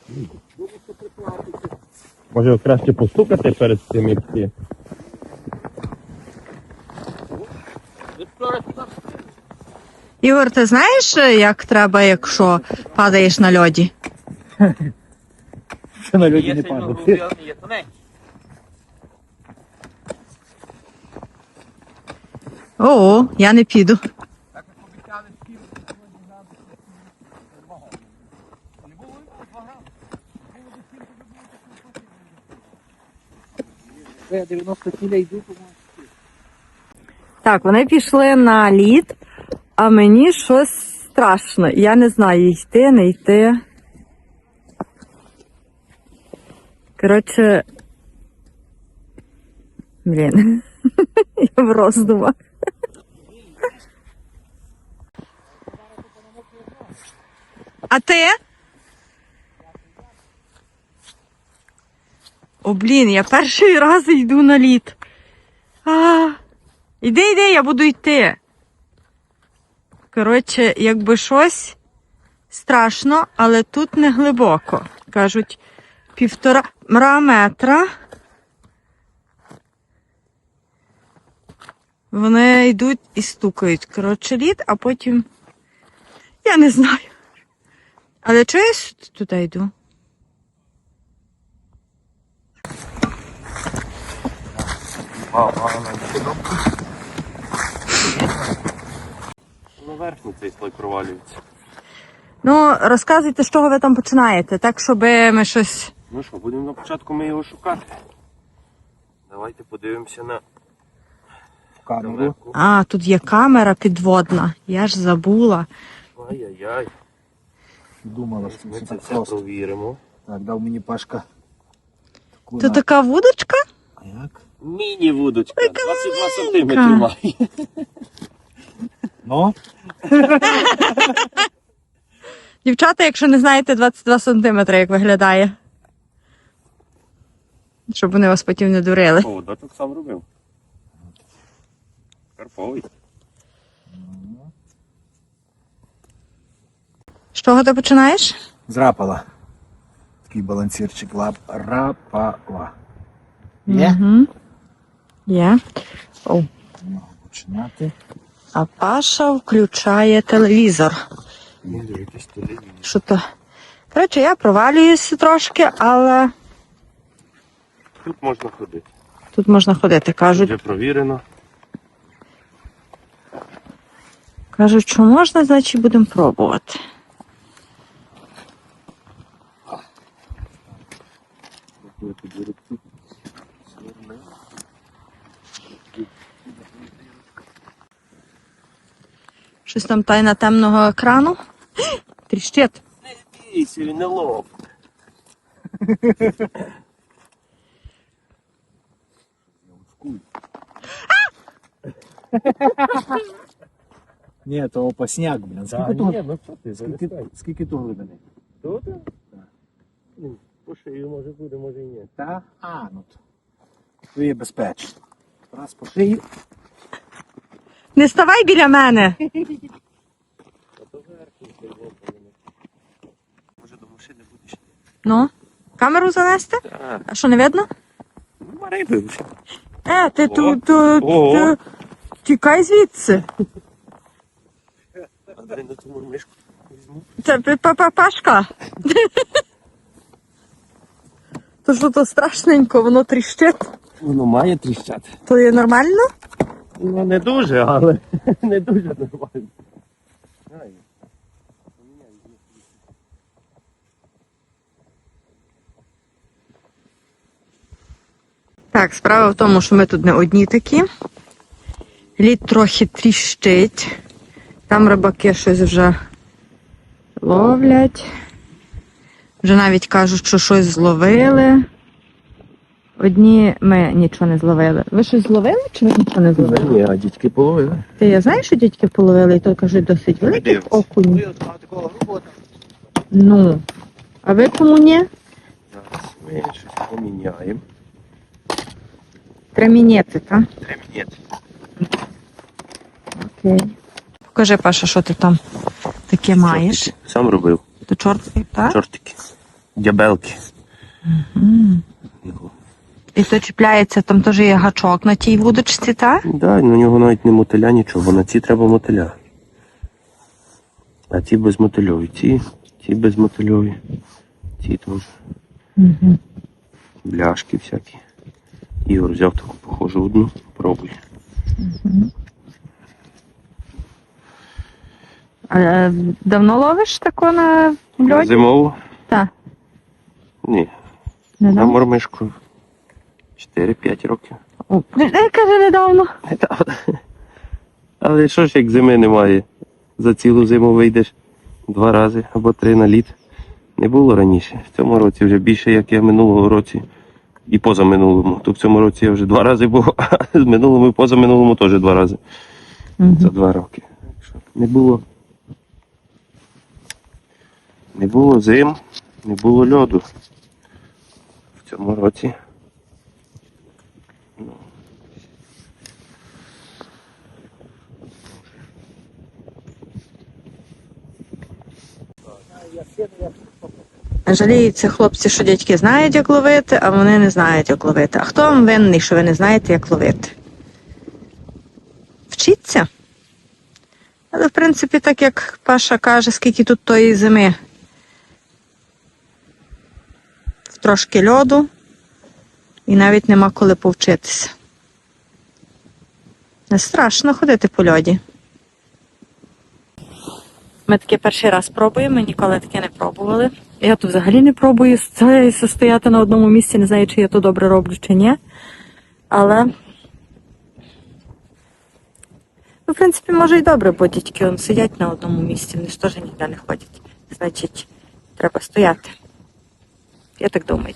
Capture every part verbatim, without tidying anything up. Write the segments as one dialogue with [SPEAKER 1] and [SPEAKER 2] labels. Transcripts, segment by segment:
[SPEAKER 1] Може краще постукати перед тим, як ти.
[SPEAKER 2] Ігор, ти знаєш, як треба, якщо падаєш на льоді?
[SPEAKER 3] Що на льоді не падає.
[SPEAKER 2] О, я не піду.
[SPEAKER 3] Я дев'яносто кіля йду,
[SPEAKER 2] Так, вони пішли на лід, а мені щось страшно. Я не знаю, йти, не йти. Коротше, блін, я в роздумах. А ти? О, блін, я перший раз йду на лід. А, іди, іди, я буду йти. Коротше, якби щось страшно, але тут не глибоко. Кажуть, півтора метра. Вони йдуть і стукають. Коротше, лід, а потім... Я не знаю. Але чого я туди йду?
[SPEAKER 1] Наверху цей слой провалюється.
[SPEAKER 2] Ну, розказуйте, з чого ви там починаєте, так, щоб ми щось...
[SPEAKER 1] Ну що, будемо на початку ми його шукати. Давайте подивимося на
[SPEAKER 3] камеру.
[SPEAKER 2] А, тут є камера підводна. Я ж забула.
[SPEAKER 1] Ай-яй-яй.
[SPEAKER 3] Думала, що
[SPEAKER 1] Ми
[SPEAKER 3] це
[SPEAKER 1] це
[SPEAKER 3] так
[SPEAKER 1] все
[SPEAKER 3] просто.
[SPEAKER 1] провіримо.
[SPEAKER 3] Так, дав мені Пашка. Таку
[SPEAKER 2] Тут
[SPEAKER 3] на-
[SPEAKER 2] така вудочка?
[SPEAKER 3] А як?
[SPEAKER 1] Міні-вудочка, двадцять два сантиметри має.
[SPEAKER 3] Ну?
[SPEAKER 2] Дівчата, якщо не знаєте, двадцять два сантиметри, як виглядає. Щоб вони вас потім не дурили.
[SPEAKER 1] О, дочок сам робив. Карповий.
[SPEAKER 2] З чого ти починаєш?
[SPEAKER 3] Зрапала. Такий балансірчик лап. Рапала. Є?
[SPEAKER 2] Угу. Є. О.
[SPEAKER 3] Можу починати.
[SPEAKER 2] А Паша включає телевізор.
[SPEAKER 1] Ну, дивитись телевізор.
[SPEAKER 2] Що то? Коротше, я провалююся трошки, але
[SPEAKER 1] Тут можна ходити.
[SPEAKER 2] тут можна ходити. Кажуть,
[SPEAKER 1] Вже провірено.
[SPEAKER 2] кажуть, що можна, значить будемо пробувати. Щось там тайна темного екрану. Тріщить.
[SPEAKER 1] Не бійся, він не лоб.
[SPEAKER 3] Ні, то опасняк, блін. Скільки
[SPEAKER 1] Ні,
[SPEAKER 3] того?
[SPEAKER 1] ну що ти,
[SPEAKER 3] Скільки,
[SPEAKER 1] залишай.
[SPEAKER 3] скільки того глибини?
[SPEAKER 1] Тут? Ну, по шию може буде, може і ні.
[SPEAKER 3] Та? А, ну то. То є безпечно. Раз по шию.
[SPEAKER 2] Не ставай біля мене.
[SPEAKER 1] А то верхній цей лоб. Може до машини будеш.
[SPEAKER 2] Ну, камеру занести?
[SPEAKER 1] Так.
[SPEAKER 2] А що, не видно?
[SPEAKER 1] Ну, риби вже.
[SPEAKER 2] Е, ти
[SPEAKER 1] О.
[SPEAKER 2] тут, тут,
[SPEAKER 1] О.
[SPEAKER 2] тут, тікай звідси.
[SPEAKER 1] А дай на ту мишку візьму.
[SPEAKER 2] Це папа Пашка. То що то страшненько, воно тріщить.
[SPEAKER 1] Воно має тріщати.
[SPEAKER 2] То є нормально?
[SPEAKER 1] Ну не дуже, але не дуже нормально. Ай.
[SPEAKER 2] Так, справа в тому, що ми тут не одні такі. Лід трохи тріщить. Там рибаки щось вже ловлять. Вже навіть кажуть, що щось зловили. Одні ми нічого не зловили. Ви щось зловили чи ви нічого не зловили?
[SPEAKER 1] Ні, а дітки половили.
[SPEAKER 2] Ти я знаю, що дядьки половили, і то кажуть досить великих окунь. Ну. А ви кому ні?
[SPEAKER 1] Зараз ми щось поміняємо.
[SPEAKER 2] Тремінети, так?
[SPEAKER 1] Треба міняти.
[SPEAKER 2] Окей. Покажи, Паша, що ти там таке маєш.
[SPEAKER 1] Сам робив.
[SPEAKER 2] То чортики, так?
[SPEAKER 1] Чортики. дябелки.
[SPEAKER 2] Мгм.
[SPEAKER 1] Його.
[SPEAKER 2] І то чіпляється, там теж є гачок на тій вудочці, так?
[SPEAKER 1] Да, на нього навіть не мотиля, нічого, бо на ці треба мотиля. А ці безмотильові. Ці, ці безмотильові. Ці теж.
[SPEAKER 2] Угу.
[SPEAKER 1] Бляшки всякі. Ігор взяв таку похожу одну. Пробуй.
[SPEAKER 2] Угу. А, давно ловиш тако на льоді?
[SPEAKER 1] Зимову?
[SPEAKER 2] Так.
[SPEAKER 1] Ні.
[SPEAKER 2] Не
[SPEAKER 1] На
[SPEAKER 2] давно?
[SPEAKER 1] мормишку. чотири-п'ять років.
[SPEAKER 2] О, е, каже, недавно.
[SPEAKER 1] Але що ж, як зими немає? За цілу зиму вийдеш два рази або три на лід. Не було раніше. В цьому році вже більше, як я минулого році і позаминулому. То в цьому році я вже два рази був, а з минулому і позаминулому теж два рази.
[SPEAKER 2] Угу.
[SPEAKER 1] За два роки. Не було. Не було зим, не було льоду. В цьому році. Ну.
[SPEAKER 2] Жаліються хлопці, що дядьки знають, як ловити, а вони не знають, як ловити. А хто вам винний, що ви не знаєте, як ловити? Вчіться. Але, в принципі, так як Паша каже, скільки тут тої зими. Трошки льоду. І навіть нема коли повчитися. Не страшно ходити по льоді. Ми таке перший раз пробуємо, ми ніколи таке не пробували. Я тут взагалі не пробую стояти на одному місці, не знаю, чи я то добре роблю, чи ні. Але, ну, в принципі, може і добре, бо дітки он сидять на одному місці, вони ж теж ніде не ходять. Значить, треба стояти. Я так думаю.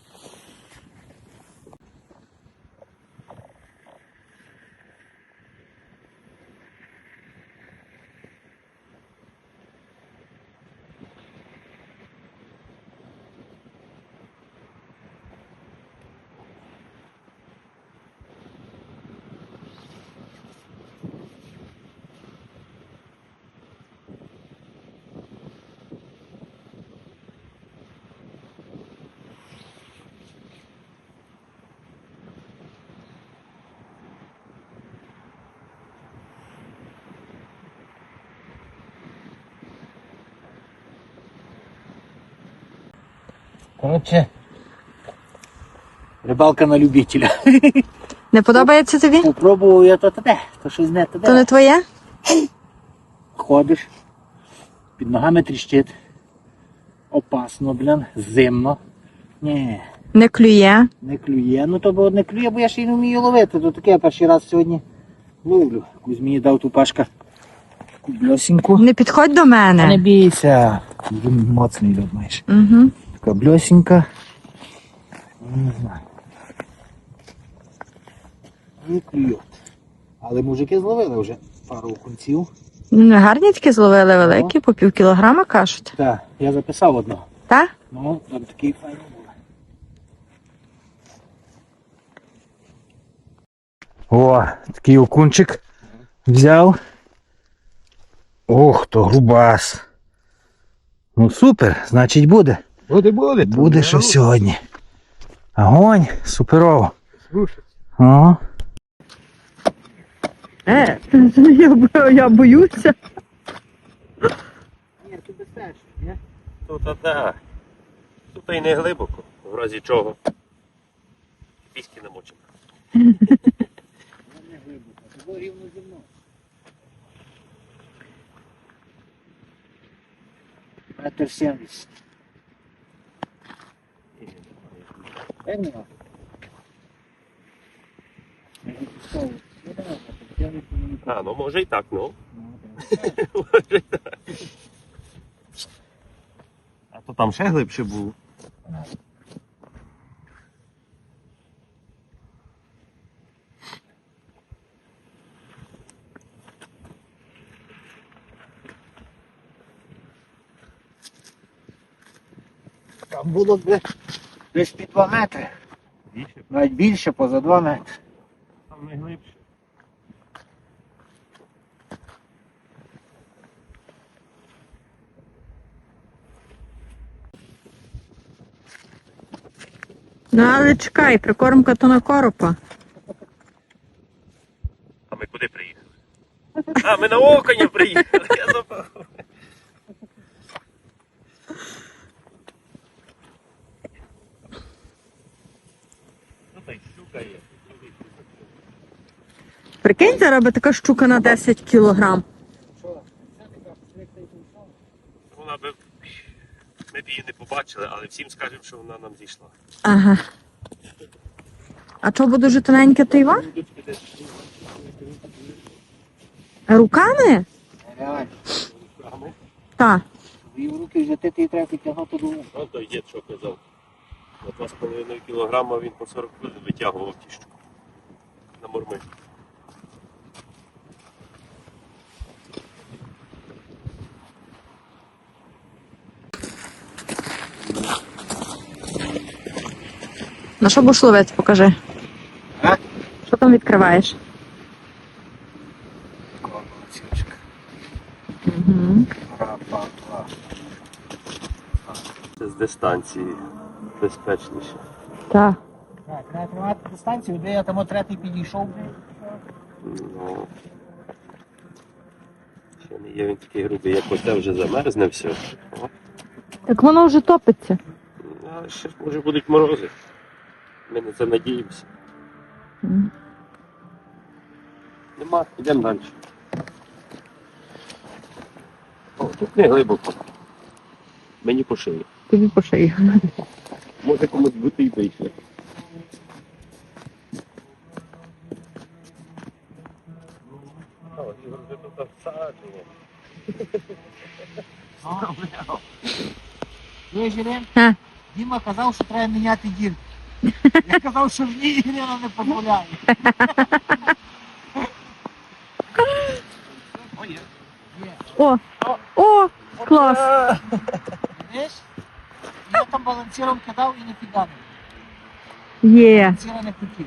[SPEAKER 3] Коротше, рибалка на любителя.
[SPEAKER 2] Не подобається тобі?
[SPEAKER 3] Попробував я то те, то щось не те.
[SPEAKER 2] То не твоє?
[SPEAKER 3] Ходиш, під ногами тріщить. Опасно, блін, зимно. Ні,
[SPEAKER 2] Не клює.
[SPEAKER 3] не клює. Ну то бо не клює, бо я ще й не вмію ловити. То таке я перший раз сьогодні ловлю. Кузьмі дав ту Пашка таку бльосіньку.
[SPEAKER 2] Не підходь до
[SPEAKER 3] Та не
[SPEAKER 2] мене.
[SPEAKER 3] бійся. Він моцний льод маєш.
[SPEAKER 2] Угу.
[SPEAKER 3] Така бльосінька. Не знаю. Не клює. Але мужики зловили вже пару окунців.
[SPEAKER 2] Гарні такі зловили великі, по пів кілограма кажуть.
[SPEAKER 3] Так, я записав одного.
[SPEAKER 2] Так?
[SPEAKER 3] Ну, там такий файний був. О, такий окунчик взяв. Ох, то грубас. Ну супер, значить буде.
[SPEAKER 1] Буде, буде.
[SPEAKER 3] Буде щось сьогодні. Огонь, суперово.
[SPEAKER 1] Слушай.
[SPEAKER 3] О,
[SPEAKER 2] Е, я, бо- я боюся.
[SPEAKER 3] ні, тут безпечно, ні?
[SPEAKER 1] Тут, а так. Тут і не глибоко, в разі чого. Піськи намочимо.
[SPEAKER 3] Воно не глибоко, це було рівно зі мною. Метр сімдесят. Як нема? Я відпускав. Ну, давай, я відпускав.
[SPEAKER 1] А, ну може і так, ну.
[SPEAKER 3] Ну, так.
[SPEAKER 1] Може і так. А то там ще глибше було.
[SPEAKER 3] Там було б десь під два метри.
[SPEAKER 1] Більше,
[SPEAKER 3] Навіть більше, поза два метри.
[SPEAKER 1] там не глибше.
[SPEAKER 2] Ну, але чекай, прикормка то на коропа.
[SPEAKER 1] А ми куди приїхали? А, ми на окуня приїхали, я забув. Ну та й щука є.
[SPEAKER 2] Прикинь, зараз би така щука на десять кілограм.
[SPEAKER 1] Вона би... Ми б її не побачили, але всім скажемо, що вона нам зійшла.
[SPEAKER 2] Ага. А чого буде дуже тоненьке то Іван? Руками?
[SPEAKER 3] Реально.
[SPEAKER 2] Так.
[SPEAKER 3] Дві в руки взяти, ти треба підтягнути до вуха.
[SPEAKER 1] Ну, той дід що казав. На два з половиною кілограма він по сорок хвилин витягував ті штуки. На мурми.
[SPEAKER 2] На що будеш ловити, покажи.
[SPEAKER 3] А?
[SPEAKER 2] Що там відкриваєш?
[SPEAKER 3] Колокольчик.
[SPEAKER 2] Угу.
[SPEAKER 3] Ра-па-па.
[SPEAKER 1] Це з дистанції безпечніше.
[SPEAKER 2] Так.
[SPEAKER 3] Так, треба тримати дистанцію, де я там третій підійшов.
[SPEAKER 1] Ну, ще не є він такий грубий, як оце вже замерзне все. О,
[SPEAKER 2] Так воно вже топиться.
[SPEAKER 1] а ще може будуть морози. Ми на це надіємося.
[SPEAKER 2] Мгм.
[SPEAKER 1] Нема, йдемо далі. О, тут не глибоко. Мені по шиї.
[SPEAKER 2] Тобі по шиї.
[SPEAKER 1] Може комусь бути і вийшли. О, Ігор вже тут всаджує.
[SPEAKER 3] Є Жилен?
[SPEAKER 2] Ха.
[SPEAKER 3] Діма казав, що треба міняти дірки. Я казав, що в ній Ірина не дозволяє.
[SPEAKER 1] О, є.
[SPEAKER 3] Є.
[SPEAKER 2] О! О! Клас!
[SPEAKER 3] Видиш? Я там балансиром кидав і не піддав.
[SPEAKER 2] Є.
[SPEAKER 3] Балансира не хотів.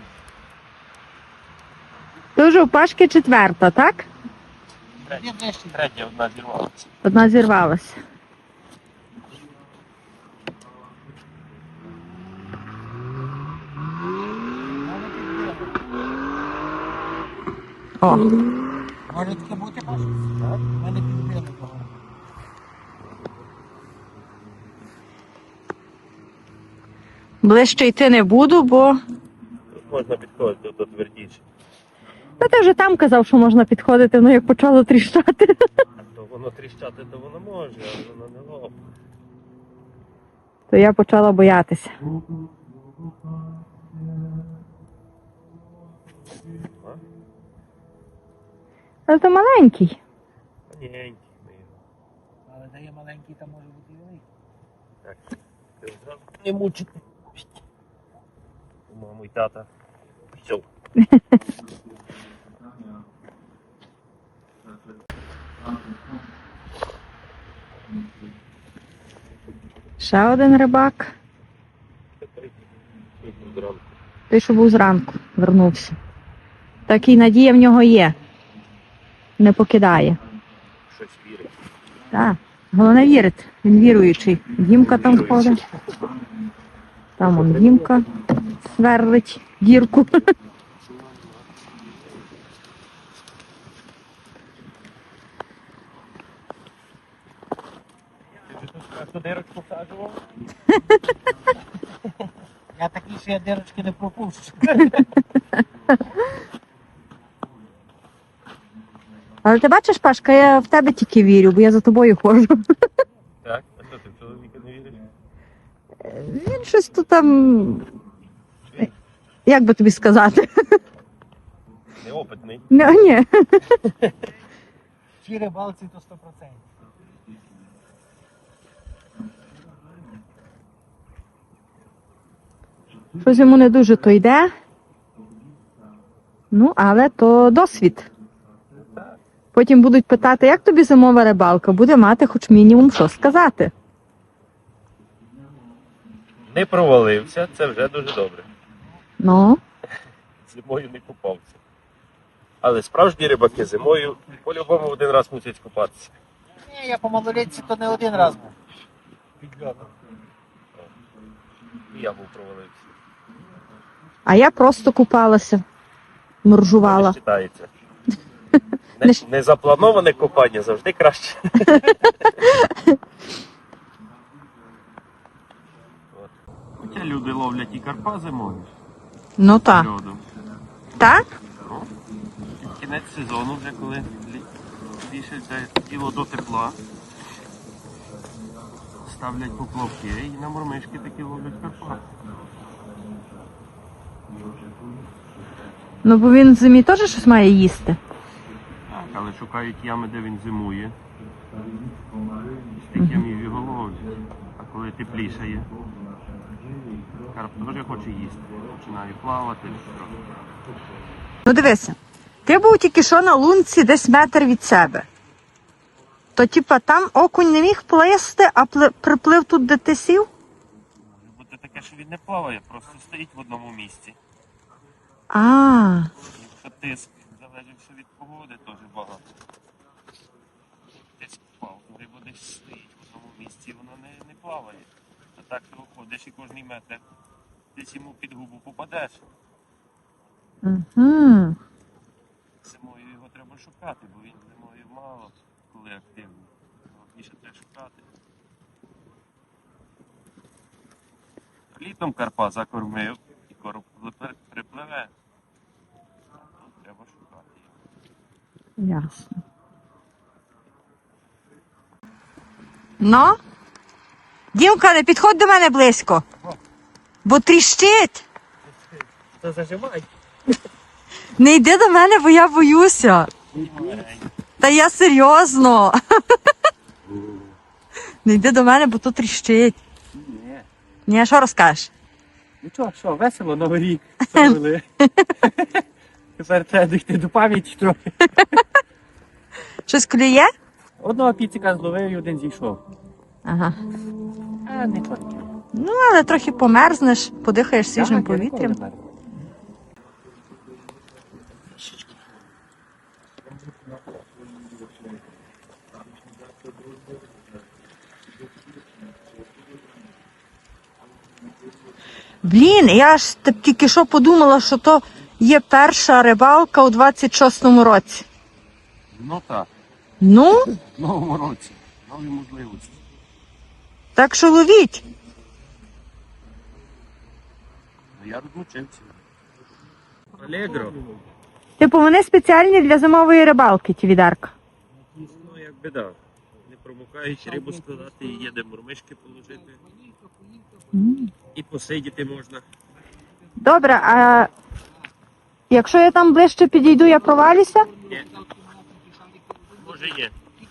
[SPEAKER 2] Ти вже у Пашки четверта, так?
[SPEAKER 3] Є ближче.
[SPEAKER 1] Третя одна зірвалася.
[SPEAKER 2] Одна зірвалася.
[SPEAKER 3] Мене підбили.
[SPEAKER 2] О!
[SPEAKER 3] Може таке бути, Паша? Так. Мене підбили.
[SPEAKER 2] Ближче йти не буду, бо...
[SPEAKER 1] Тут можна підходити до твердіше.
[SPEAKER 2] Та ти вже там казав, що можна підходити, ну як почало тріщати.
[SPEAKER 1] То воно тріщати, то воно може, але воно не лопне.
[SPEAKER 2] То я почала боятися.
[SPEAKER 1] А?
[SPEAKER 2] Але то маленький.
[SPEAKER 1] Маленький ми його.
[SPEAKER 3] Але де є маленький, там може бути і великий.
[SPEAKER 1] Так, ти зразу не мучити. У маму і тата. Все.
[SPEAKER 2] Ще один рибак. Той, що був зранку, вернувся. Такий надія в нього є. Не покидає.
[SPEAKER 1] Щось вірить.
[SPEAKER 2] Так. Головне вірить. Він віруючий. Дімка там ходить. Там он Дімка сверлить дірку.
[SPEAKER 1] Хто дирочку всаджував?
[SPEAKER 3] Я такий, що я дирочки не пропущу.
[SPEAKER 2] Але ти бачиш, Пашка, я в тебе тільки вірю, бо я за тобою ходжу.
[SPEAKER 1] Так, а що ти в чоловіка не віриш?
[SPEAKER 2] Він щось тут там. Як би тобі сказати?
[SPEAKER 1] Неопитний.
[SPEAKER 2] Ні, ні.
[SPEAKER 3] Ті рибалці то сто процентів.
[SPEAKER 2] Щось йому не дуже то йде. Ну, але то досвід. Потім будуть питати, як тобі зимова рибалка, буде мати хоч мінімум що сказати.
[SPEAKER 1] Не провалився, це вже дуже добре.
[SPEAKER 2] Ну,
[SPEAKER 1] Зимою не купався. Але справжні рибаки зимою по-любому один раз мусять купатися.
[SPEAKER 3] Ні, я по малолітці то не один раз був. Підльотом.
[SPEAKER 1] І я був провалився.
[SPEAKER 2] А я просто купалася, моржувала.
[SPEAKER 1] Не вважається.
[SPEAKER 2] Не
[SPEAKER 1] Не,
[SPEAKER 2] щ-
[SPEAKER 1] не заплановане купання завжди краще. От. Хоча люди ловлять і карпа зимою
[SPEAKER 2] Ну так.
[SPEAKER 1] льодом.
[SPEAKER 2] Так?
[SPEAKER 1] Ну, під кінець сезону вже коли лі- збільшується діло до тепла. Ставлять поплавки і на мормишки такі ловлять карпа.
[SPEAKER 2] Ну бо він в зимі теж щось має їсти.
[SPEAKER 1] Так, але шукають ями, де він зимує. З тих ямів його ловлять. А коли теплішає, карп теж хоче їсти. Починає плавати.
[SPEAKER 2] Ну дивися, ти був тільки що на лунці десь метр від себе. То типа там окунь не міг плисти, а пли- приплив тут, де ти сів?
[SPEAKER 1] Може бути таке, що він не плаває, просто стоїть в одному місці.
[SPEAKER 2] А,
[SPEAKER 1] Якщо тиск залежить все від погоди, теж багато. Тиск впав, то риба десь стоїть в одному місці, і вона не, не плаває. А так ти виходиш і кожний метр десь йому під губу попадеш.
[SPEAKER 2] угу.
[SPEAKER 1] Зимою його треба шукати, бо він зимою мало коли активний. Головніше треба шукати. Літом карпа закормив і короб припливе- припливе. А тут треба шукати його.
[SPEAKER 2] Ясно. Ну? Дімка, не підходь до мене близько. Бо тріщить.
[SPEAKER 1] Та зажимай.
[SPEAKER 2] Не йди до мене, бо я боюся. Та я серйозно. Не йди до мене, бо тут тріщить.
[SPEAKER 3] Ні.
[SPEAKER 2] Ні, а що розкажеш?
[SPEAKER 3] Ну що, що, весело, Новий рік. Ставили. Тепер треба дійти до пам'яті трохи.
[SPEAKER 2] Щось клює?
[SPEAKER 3] Одного піцика зловив і один зійшов.
[SPEAKER 2] Ага.
[SPEAKER 3] А, не таке.
[SPEAKER 2] Ну, але трохи померзнеш, подихаєш свіжим повітрям. Блін, я ж так тільки що подумала, що то є перша рибалка у двадцять шостому році.
[SPEAKER 1] Ну так,
[SPEAKER 2] Ну,
[SPEAKER 1] в новому році. Нові можливості.
[SPEAKER 2] так що ловіть.
[SPEAKER 1] А я розлучився. Алегро.
[SPEAKER 2] Типу, вони спеціальні для зимової рибалки, ті відерка.
[SPEAKER 1] Ну, як біда. Не промокають, рибу складати, і є де мормишки положити. І посидіти можна.
[SPEAKER 2] Добре, а якщо я там ближче підійду, я провалюся?
[SPEAKER 1] Є. Може є.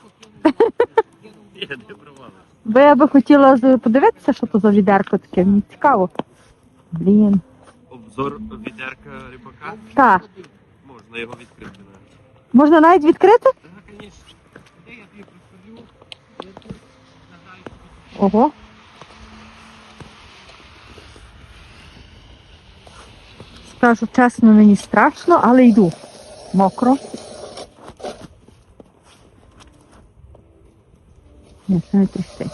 [SPEAKER 1] Є, не провали.
[SPEAKER 2] Бо я би хотіла з- подивитися, що то за відерко таке, мені цікаво. Блін.
[SPEAKER 1] Обзор відерка рибака.
[SPEAKER 2] Так,
[SPEAKER 1] Можна його відкрити навіть.
[SPEAKER 2] можна навіть відкрити?
[SPEAKER 1] Так, звісно.
[SPEAKER 2] Ого. Скажу чесно, мені страшно, але йду. Мокро. Ні, це не трясти.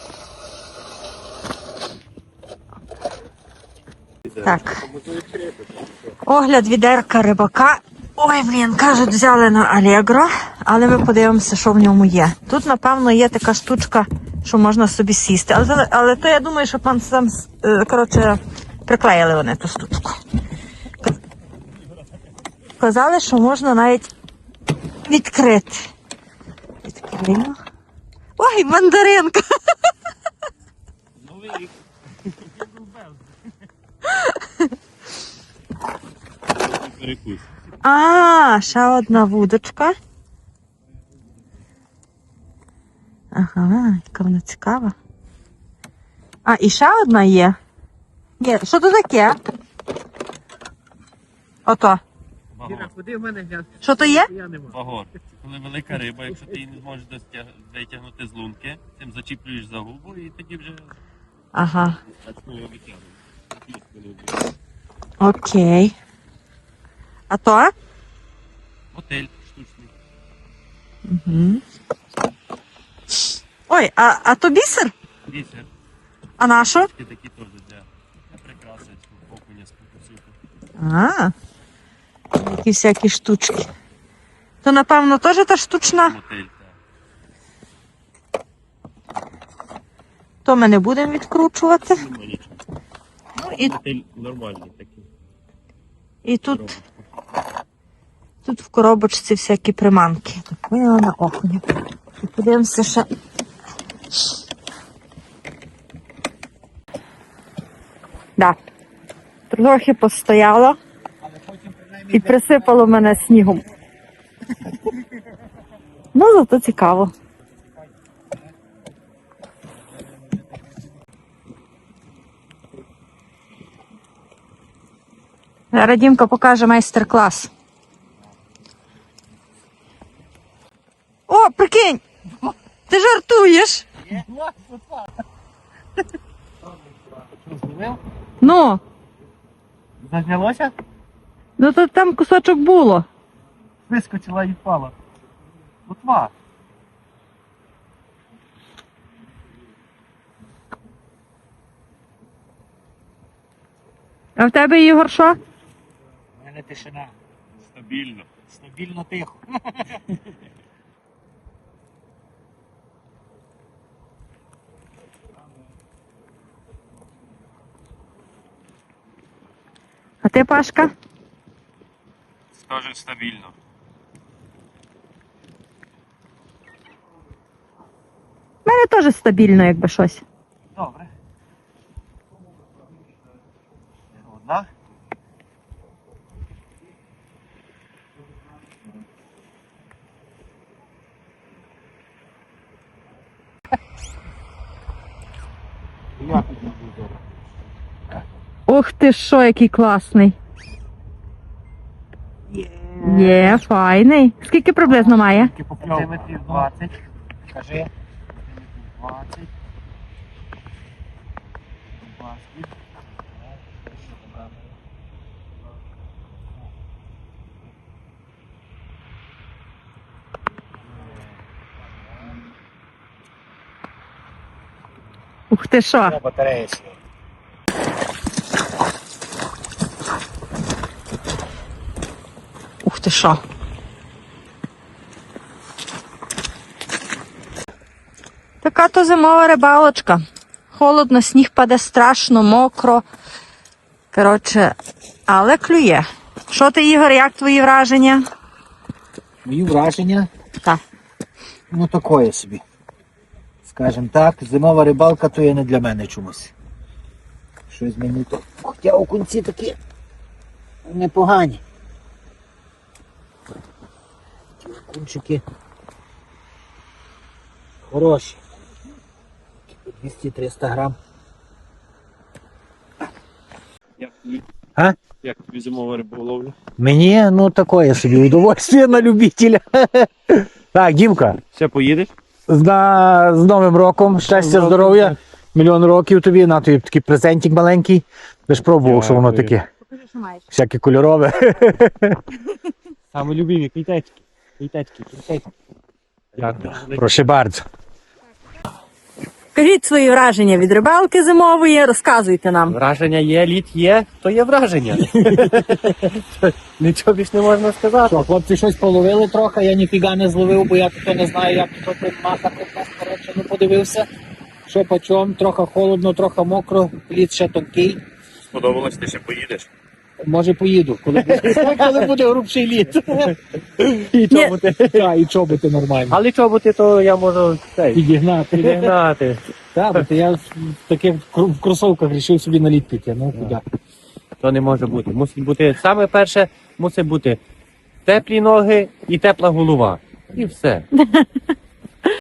[SPEAKER 2] Так. Огляд відерка рибака. Ой, блін, кажуть, взяли на Allegro, але ми подивимося, що в ньому є. Тут, напевно, є така штучка, що можна собі сісти. Але, але, але то я думаю, що пан сам, е, коротше, приклеїли вони ту штучку. Казали, що можна навіть відкрити. Відкрию. Ой, мандаринка!
[SPEAKER 1] Новий рік. Перекус.
[SPEAKER 2] А, ще одна вудочка. Ага, яка вона цікава. А, і ще одна є. Ні, що то таке? Ото.
[SPEAKER 3] Іра, куди в мене глянь?
[SPEAKER 2] Що то є?
[SPEAKER 3] Я не можу.
[SPEAKER 1] Багор. Коли велика риба, якщо ти її не зможеш достяг... витягнути з лунки, тим зачіплюєш за губу і тоді вже
[SPEAKER 2] Ага,
[SPEAKER 1] почну його витягувати.
[SPEAKER 2] окей. А то?
[SPEAKER 1] Мотель штучний.
[SPEAKER 2] Угу. Ой, а, а то бісер?
[SPEAKER 1] Бісер.
[SPEAKER 2] А на що?
[SPEAKER 1] Такі такі теж для, для прикрас.
[SPEAKER 2] А, які всякі штучки. То, напевно, теж та штучна? То ми не будемо відкручувати. Ну, і,
[SPEAKER 1] Нормальний такий.
[SPEAKER 2] і тут, тут в коробочці всякі приманки. Так, поняла на окуня. І подивимося ще. Да. Трохи постояло і присипало мене снігом. Ну, зато цікаво. Зараз Дімка покаже майстер-клас. О, прикинь! Ти жартуєш? Ну,
[SPEAKER 3] Зазнялося?
[SPEAKER 2] ну то там кусочок було.
[SPEAKER 3] Вискочила і впала. Отва.
[SPEAKER 2] А в тебе, Ігор, що?
[SPEAKER 3] У мене тишина.
[SPEAKER 1] Стабільно.
[SPEAKER 3] Стабільно тихо.
[SPEAKER 2] А ти, Пашка?
[SPEAKER 1] Скаже стабільно.
[SPEAKER 2] У мене теж стабільно, якби щось.
[SPEAKER 3] Добре. Одна. Я підійду зараз.
[SPEAKER 2] Ох ти що, який класний. Є, файний. Скільки приблизно має?
[SPEAKER 3] Сантиметрів двадцять. Кажи. двадцять. двадцять.
[SPEAKER 2] Ух ти що.
[SPEAKER 3] Батарея сіла.
[SPEAKER 2] Ух ти що. Така то зимова рибалочка. Холодно, сніг паде страшно, мокро. Коротше, але клює. Що ти, Ігор, як твої враження?
[SPEAKER 3] Мої враження,
[SPEAKER 2] Так.
[SPEAKER 3] ну такое собі. Скажем так, зимова рибалка то є не для мене чомусь. Щось мені то. Хоча окунці такі непогані. Ті окунчики хороші. двісті-триста грам.
[SPEAKER 1] Як тобі,
[SPEAKER 3] А?
[SPEAKER 1] як тобі зимова риболовля?
[SPEAKER 3] Мені, ну такое собі, удовольствие на любителя. Так, Дімка,
[SPEAKER 1] Ще поїдеш?
[SPEAKER 3] з, на, з Новим роком, щастя, здоров'я, мільйон років тобі, на тобі такий презентик маленький. Ти ж пробував, що воно
[SPEAKER 1] Дякую.
[SPEAKER 3] таке,
[SPEAKER 2] Покажи, що маєш.
[SPEAKER 3] всяке кольорове.
[SPEAKER 1] Саме любимі квітечки. Квітечки, квітечки. Дякую.
[SPEAKER 3] Прошу bardzo.
[SPEAKER 2] Кажіть свої враження від рибалки зимової, розказуйте нам.
[SPEAKER 1] Враження є, лід є, то є враження. Нічого більш не можна сказати.
[SPEAKER 3] Що, хлопці щось половили трохи, я ніфіга не зловив, бо я тут не знаю, як тут тут махати. Коротше, ну подивився, що по чому, трохи холодно, трохи мокро, лід ще тонкий.
[SPEAKER 1] Сподобалось, ти ще поїдеш?
[SPEAKER 3] Може поїду, коли буде, коли буде грубший лід.
[SPEAKER 1] І чоботи.
[SPEAKER 3] Так, і чоботи нормально.
[SPEAKER 1] Але чоботи, то я можу цей,
[SPEAKER 3] Підігнати.
[SPEAKER 1] підігнати.
[SPEAKER 3] Так, бо то я в таких кру- в кросовках вирішив собі на лід піти. Ну, куди?
[SPEAKER 1] То не може бути. Мусить бути, саме перше, мусить бути теплі ноги і тепла голова. І все.